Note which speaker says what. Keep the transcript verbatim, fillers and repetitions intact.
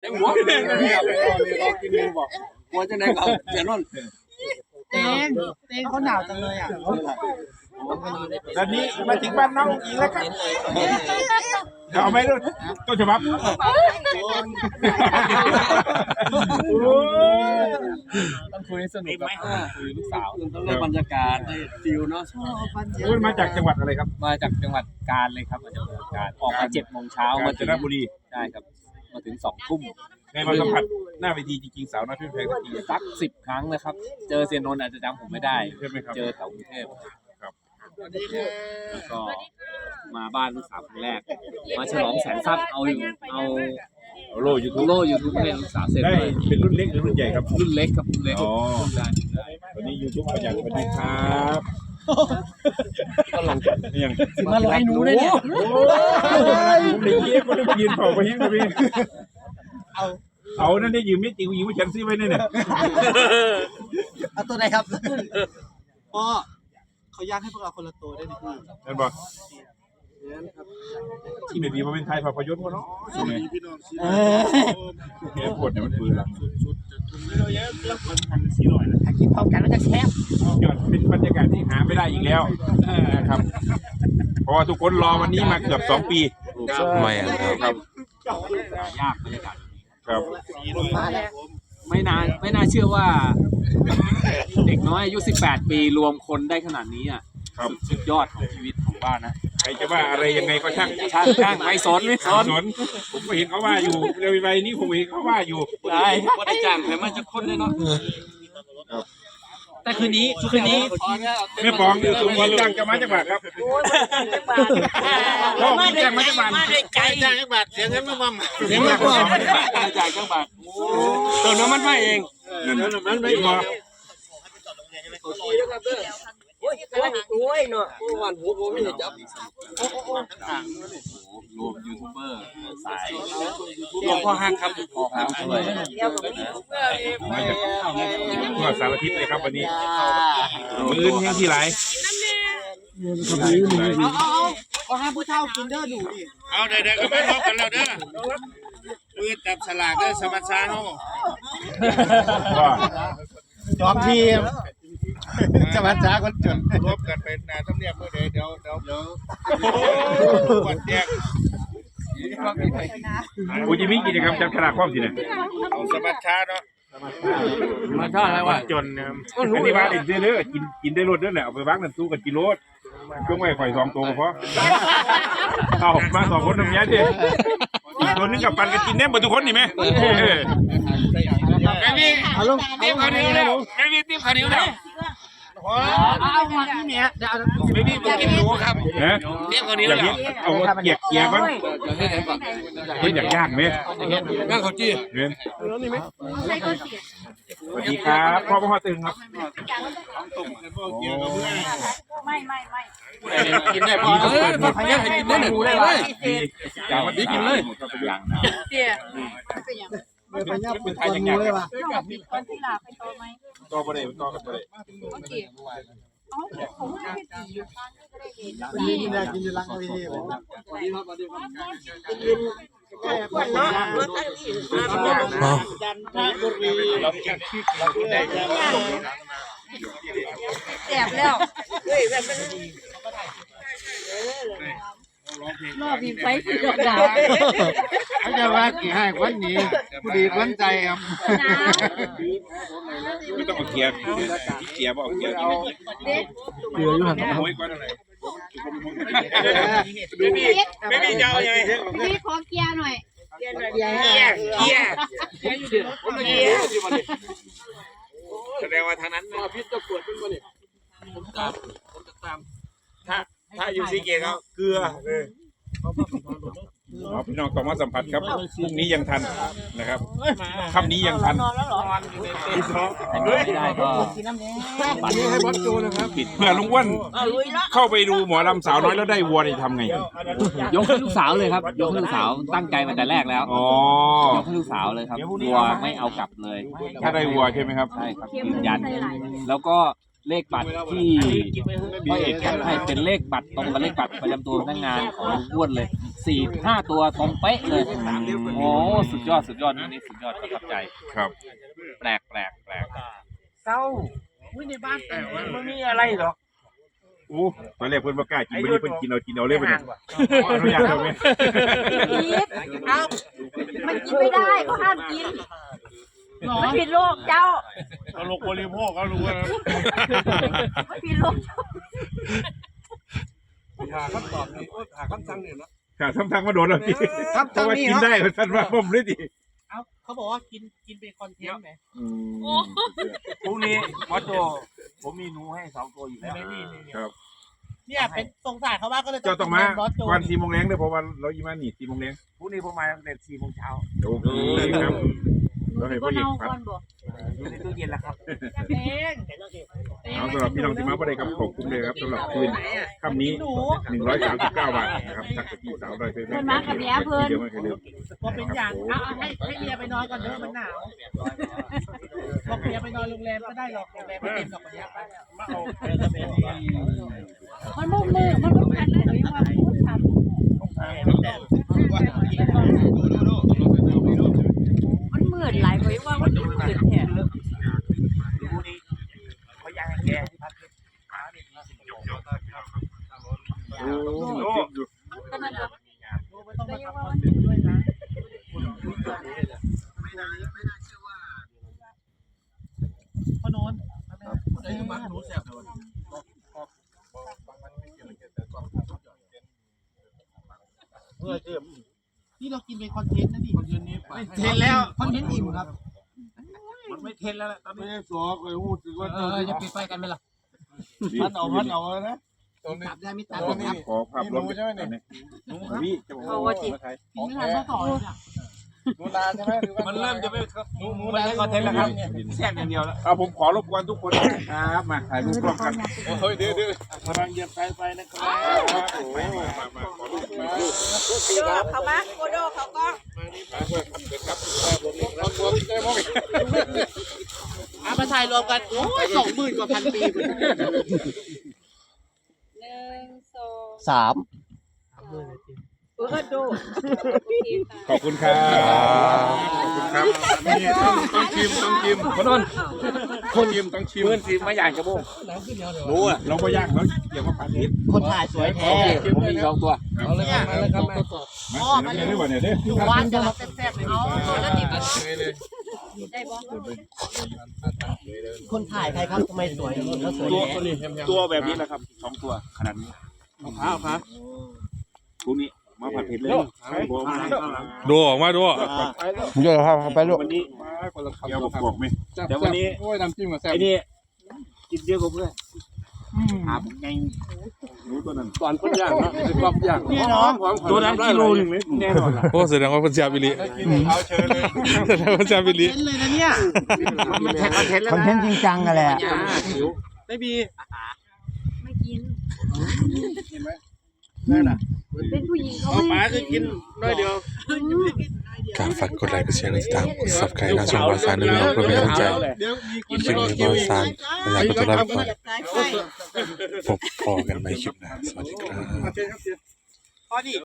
Speaker 1: เต็มหัวเลยรอกินเลยบอกหัวจะไหนก็เสียนน
Speaker 2: เต้งเต้งเขาหนาวจังเลยอ่ะ
Speaker 3: ตอนนี้มาถึงบ้านน้องอีกแล้วครับเดี๋ยวเอาไหมลูกต้นฉบับ
Speaker 1: ต้องคุยสนุกไหมคุยลูกสาวต้องเล่นบรรยากาศได้ฟิลเนาะ
Speaker 3: คุณมาจากจังหวัดอะไรครับ
Speaker 1: มาจากจังหวัดกาญเลยครับมาจากจังหวัดกาญออกมาเจ็ดโมงเช้ามาถึง
Speaker 3: บุรี
Speaker 1: ใช่ครับมาถึงสองทุ่ม
Speaker 3: ในมาสัมผัสหน้าเวทีจริงๆสาวน้อยเพื่อนแพงที
Speaker 1: สักสิบครั้งนะครับเจอเซียนนนท์อาจจะจำผมไม่ได้
Speaker 3: ใช่ไหมครับ
Speaker 1: เจอแถวกรุงเทพครับแล้วก็มาบ้านลูกสาวครั้งแรกมาฉลองแสนทรัพย์เอาอยู่เอา
Speaker 3: โลยูทูบ
Speaker 1: โลยูทูบให้ลูกสาวเสร็จ
Speaker 3: ได้เป็นรุ่นเล็กหรือรุ่นใหญ่ครับ
Speaker 1: รุ่นเล็กครับรุ่นเล็กอ๋อ
Speaker 3: วันนี้ยูทูบมาจากสวัสดีครับก็ลองกันยัง
Speaker 1: มาลอยหนูเลยเนี่ย
Speaker 3: ผมได้เยี่ยมก็ได้ยืนเผาไปยังไงพี่เอาเอานั่นได้ยืมไม่จริงยืมไม่ฉันซื้อไว้เนี่ย
Speaker 2: เอาตัวไหนครับพ่อเขาย่างให้พวกเราคนละตัวได้ไหมพี่
Speaker 3: นั่นบอกที่ไม่ดีมาเป็นไทยภาพยนตร์วะเนาะใช่ไหมแกปวดเนี่ยมันปืนละ
Speaker 2: กินพร้อมกันแล้วจะแช่
Speaker 3: ยอดเป็นบรรยากาศที่หาไม่ได้อีกแล้วนะครับเพราะว่าทุกคนรอวันนี้มาเกือบสองปี
Speaker 1: ไม่ครับยากบรรยากาศ
Speaker 3: ครับ
Speaker 1: ไม่นานไม่น่าเชื่อว่าเด็กน้อยอายุสิบแปดปีรวมคนได้ขนาดนี้อ่ะสุดยอดของชีวิตของบ้านนะ
Speaker 3: ใครจะว่าอะไรยังไงก็ช่าง
Speaker 1: ช่างช่างไม่สนไม่สน
Speaker 3: ผมก็เห็นเขาว่าอยู่เร็วไปนี้ผมเห็นเขาว่าอยู่
Speaker 1: ได้ก็ได้จ้างแต่มันจะคนเลยเนาะแต่คืนนี้คืนนี้
Speaker 3: ไม่ฟ้องอยู่ตรงนี้จ้างจะมาจากบาทครับพ่อไม่จ้างมาจากบาท
Speaker 2: ไม่ได้ใจจ้างจากบาทเสียเงินมาบ้าง
Speaker 1: เสียเงินมาจ่ายจากบาทตัวน้ำมันไม่เอง
Speaker 3: มันไม่พอ
Speaker 2: โอ้ยโอ้ยเนาะ
Speaker 1: วันหัวผมไม่ได้จับรวมยูทูบเบอร์สายรวมพ่อห้างครับพ่อห้างด้วย
Speaker 3: มาจากทั่วสารทิศเลยครับวันนี้มื้อแห้งที่ไร
Speaker 2: เอาเอาเอาให้ผู้เฒ่ากินเด้อดูดิ
Speaker 4: เอาเด็กๆก็ไม่ลบกันแล้วเด้อมือจับสลากเด้อสมัชชาโน่
Speaker 2: จอมทีมสมัชชาคนจน
Speaker 4: ลบกันเป็นนาต้องเรียกเมื่อเดี๋ยวเดี๋ยวเดี๋ยวเดี๋ยวกดแยก
Speaker 3: กูจะมีกิจกรรมจับฉลากความสิเนี่ย
Speaker 4: เอาสมัชชาเนาะ
Speaker 1: มาชอบอะไรวะ
Speaker 3: จนอันนี้ว่าเด็ดเด้อกินกินได้รสด้วยแหละเอาไปวางนั่นตู้กับกิโลช่วงไว้ข่อยสองตัวเพราะเอามาสองคนตรงนี้ดิอีกตัวนึงกับปันกันกินแน่หมดทุกคนนี่ไหม
Speaker 4: ไม่มีติ๊บข้าวเหนียวแล้วไม่มีติ๊บข้าวเหนียวแล้ว
Speaker 2: เอามาที่เนี้ยเดี๋ยว
Speaker 4: ไม่มีกินหนูครับติ๊บข้าวเหนียวแล้ว
Speaker 3: เอาเกียกเกียร์มั้งเฮ้ยอยากย่างไหม
Speaker 4: ย่างข้าวจี้
Speaker 3: เรียนสวัสดีครับพ่อพ่อตึงครับ
Speaker 2: ไม่ไม่ไม่
Speaker 1: กินได้พอเออพยายามให้กินได้หนึ่งเลยอย่ามาดีกินเลย
Speaker 2: เจี๊ยเป็นยัง
Speaker 3: เป็นพยายามเป็นไทยอย่างเงี้ยเลยว่ะ
Speaker 2: คนที่หลาไปโตไหม
Speaker 3: โตประเดี๋ยวโตกันประเดี๋ยว
Speaker 2: โอเคอ๋อผมไม่ได้ตีอยู่ข้างนี้ก็ได้เห็นกินได้กินอยู่ลังเลยทีผมขวัญเนาะรถตั้งที่ดันดันบุรีเราเก็บเราได้แสบแล้วเฮ้ยแบบเป็นรอบมีไฟสีดอกดาว
Speaker 4: เขาจะว่ากี่ให้วันนี้ผู้ดีวันใจครับ
Speaker 3: ไม่ต้องเอาเกียร์เกียร์บอกเกียร์
Speaker 2: เกียร์อยู่หันหลัง
Speaker 4: ไม่มีไม่มีเจ้าไง
Speaker 2: พี่ขอเกียร์หน่อยเกียร์หน่อยเกียร์
Speaker 4: เกียร์เกียร์อยู่ดิเกียร์แสดงว่าทางนั้นพิษจะปวดเป็นบ่เนี่ยผมตามผมจะตามถ้าถ้าอยู่ซีเกตเขาเกลือ
Speaker 3: พี่น้องต้องมาสัมผัสครับพรุ่งนี้ยังทันนะครับค่ำนี้ยังทัน
Speaker 1: ไม่ได้ก็
Speaker 3: ปัดให้บอสโจนะครับปิดเพื่อลุงอ้วนเข้าไปดูหมอลำสาวน้อยแล้วได้วัวนี่ทำไง
Speaker 1: ยกให้ลูกสาวเลยครับยกให้ลูกสาวตั้งใจมาแต่แรกแล้ว
Speaker 3: อ๋อย
Speaker 1: กให้ลูกสาวเลยครับวัวไม่เอากลับเลย
Speaker 3: ถ้าได้วัวใช่ไหมครับ
Speaker 1: ใช่ครับยืนยันแล้วก็เลขบัตรที่พ่อเอกแคปให้เป็นเลขบัตรตรงกับเลขบัตรประจำตัวพนักงานของลุงอ้วนเลยสี่ห้าตัวตรงเป๊ะเลยโอ้สุดยอดสุดยอดนี่นี่สุดยอดประทับใจ
Speaker 3: ครับ
Speaker 1: แปลกแปลกแปลก
Speaker 4: เศร้าวิ่งในบ้านแต่มันมีอะไรหรอก
Speaker 3: โอ้ตอนแรกเพิ่นบ่กล้ากินวันนี้เพิ่นกินเอากินเอาเลยเพิ่นเนี่ยขออนุญาตเอาไหม
Speaker 5: เอามันกินไม่ได้เขาห้ามกินมันผิดโลกเจ้า
Speaker 3: เขาลงบริโภคเขารู้ว่า
Speaker 5: มันผิดโลกเจ้า
Speaker 4: หาคำตอบนี่หาคำสั่งนี่เนาะ
Speaker 3: ค่ะทำทางมาโดนแล้วพี่
Speaker 2: ครับ
Speaker 3: เพราะว่า
Speaker 2: นี่
Speaker 3: กิน
Speaker 2: เนาะ
Speaker 3: ได้ท่านว่าผมเลยดิ
Speaker 2: เอาเขาบอกว่ากินกินเป็นคอนเทนต์ไหม
Speaker 4: พรุ่งนี้มอสโจผมมีหนูให้สองตัวอยู่แล้ว
Speaker 3: ครับ
Speaker 2: เนี่ยเป็นสงสารเขาว่าก็เลย
Speaker 3: เจ้าต้องมา
Speaker 2: บอสโจ
Speaker 3: วันสี่โมงแรงเด้อเพราะว่าเราอีมานี่สี่โมงแรง
Speaker 4: พรุ่งนี้ผมมาตั้งแต่สี่โมงเช้า
Speaker 3: โอเคครับเราให้
Speaker 5: ก็
Speaker 3: พ่อเอก
Speaker 5: เน่า
Speaker 3: พัด
Speaker 5: ก่อนบ่
Speaker 4: อยู่ในตู้เย็นแล้วครับ
Speaker 2: เอง
Speaker 3: เอาสำหรับพี่น้องที่มาบ่ได้กับขอบคุณเลยครับสำหรับคืนค่ำนี้หนึ่งร้อยสามสิบเก้าบาทนะครับทักไปที่สาวดอยเพื่อน
Speaker 5: เพิ่นมากับเมียเพิ่น
Speaker 3: เดี๋ยวไม่เคยลืม
Speaker 2: ว่าเป็นอย่างเอาเอาให้ให้เมียไปนอนก่อนเด้อมันหนาวบอกเมียไปนอนโรงแรมก็ได้หรอกโรงแรมไม่เต็มหรอกวันนี้ไปมาเอา
Speaker 5: มันมุกมือมันมุกกันเลยว่ามันมุกทำมันมืดหลายเลยว่ามันมืดแท้
Speaker 4: พรุ่งนี้เขาอยากให้แกที่พักขาเนี่ยมีสิ่งของ
Speaker 3: โอ้โห
Speaker 5: ขนาดนั้น
Speaker 2: ไม่ต้องมาทำคอนเทนต์ด้วยนะพ่อโนนไอ้มักหนูแสบเลยนี่เรากินเป็นคอนเทนต์นะนี่คอนเทนต์นี้เทนแล้วคอนเทนต์อิ่มครับ
Speaker 4: มันไม่เทนแล้วตอนนี้
Speaker 2: สอเคยพูดถึงว่าเออจะปิดไฟกันไหมล่ะพัดเอาพัดเอานะตับได้ไม่ตับนี่
Speaker 3: ขอภาพรวมใช่ไหมเนี่ยพี่จะบอก
Speaker 5: เอาว่าจิ
Speaker 2: กินไม่ทันเมื่อก่อนเนี่ย
Speaker 4: มันเริ่มจะไม่หนูหนูได้คอนเทนต์แล้วครับแซ่บอย่างเดียวแล้ว
Speaker 3: เอาผมขอรบกวนทุกคนนะครับมาถ่ายรูปร่วมกัน
Speaker 4: เฮ้ยเดี๋ยวเดี๋ยวกำลังเหยียบสายไฟนะครับ
Speaker 3: โอ้มามามาขอรูปมา
Speaker 5: โดเขามาโกโดเขาก็
Speaker 2: อามาถ่ายรวมกันโอ้ยสองหมื่นกว่าพันปี
Speaker 5: หนึ่งสอง
Speaker 2: สาม
Speaker 5: เออดู
Speaker 3: ขอบคุณครับขอบคุณครับนี่ต้องต้องชิมต้องชิมคนนนคนชิมต้องชิม
Speaker 4: เพื่อนซีมาอย่างกระโบง
Speaker 3: รู้อ่ะเราก็ยากแล้วเกี่ยวกับพันนิด
Speaker 2: คนถ่ายสวยแท้
Speaker 4: ผมมีสองตัว
Speaker 2: เอาเลยครับมาเลยครับมา
Speaker 3: มาเดี๋ยวนี้เนี่ยเนี่ย
Speaker 2: อยู่บ้านจะรับแซ่บๆเลยอ๋อแล้วติด
Speaker 5: ได้บ่
Speaker 2: คนถ่ายใครครับทำไมสวยแล้วสวย
Speaker 3: ตัวตัวแบบนี้แหละครับสองตัวขนาดนี้
Speaker 2: เอาผ้าเอาผ้า
Speaker 3: พวกนี้มาผัดเผ็ดเลยบอกมา
Speaker 6: ดูออกมาดู
Speaker 3: เยอะครับไปลูกวันนี้เกี่ยวกับบอกไหมแต่วันนี้
Speaker 2: โอ้ยน้ำจิ้มกับแซ่บ
Speaker 3: ไอ้นี่กินเยอะกว่าเพื่อนหาผมไงรู้ตัวนั้น
Speaker 4: ก่อนคนย่างเนาะเป็นความย่าง
Speaker 2: นี่เนาะ
Speaker 3: ตัวนั้นกิโลหนึ่งเลยแน่นอน
Speaker 6: โอ้แสดงว่าเป็นชาบิลิแสดงว่าชาบิลิ
Speaker 2: เห็นเลยนะเนี่ย
Speaker 4: มันแทนคอนเทนต์แล้ว
Speaker 7: คอนเทนต์จริงจังกันแหละ
Speaker 2: ไม่มี
Speaker 5: ไม่กินเป็นผู้หญิงเขาไม่
Speaker 4: หมาคือกินน้อยเดียว
Speaker 6: การฝากกดไลค์กดแชร์กดติดตามกดซับสไครต์ทางช่องบอสซานด้วยนะครับเพื่อเป็นกำลังใจคลิปนี้บอสซานอยากกดไลค์ก่อนพบพอกันใหม่คลิปหน้าสวัสดีครับ
Speaker 2: พอดี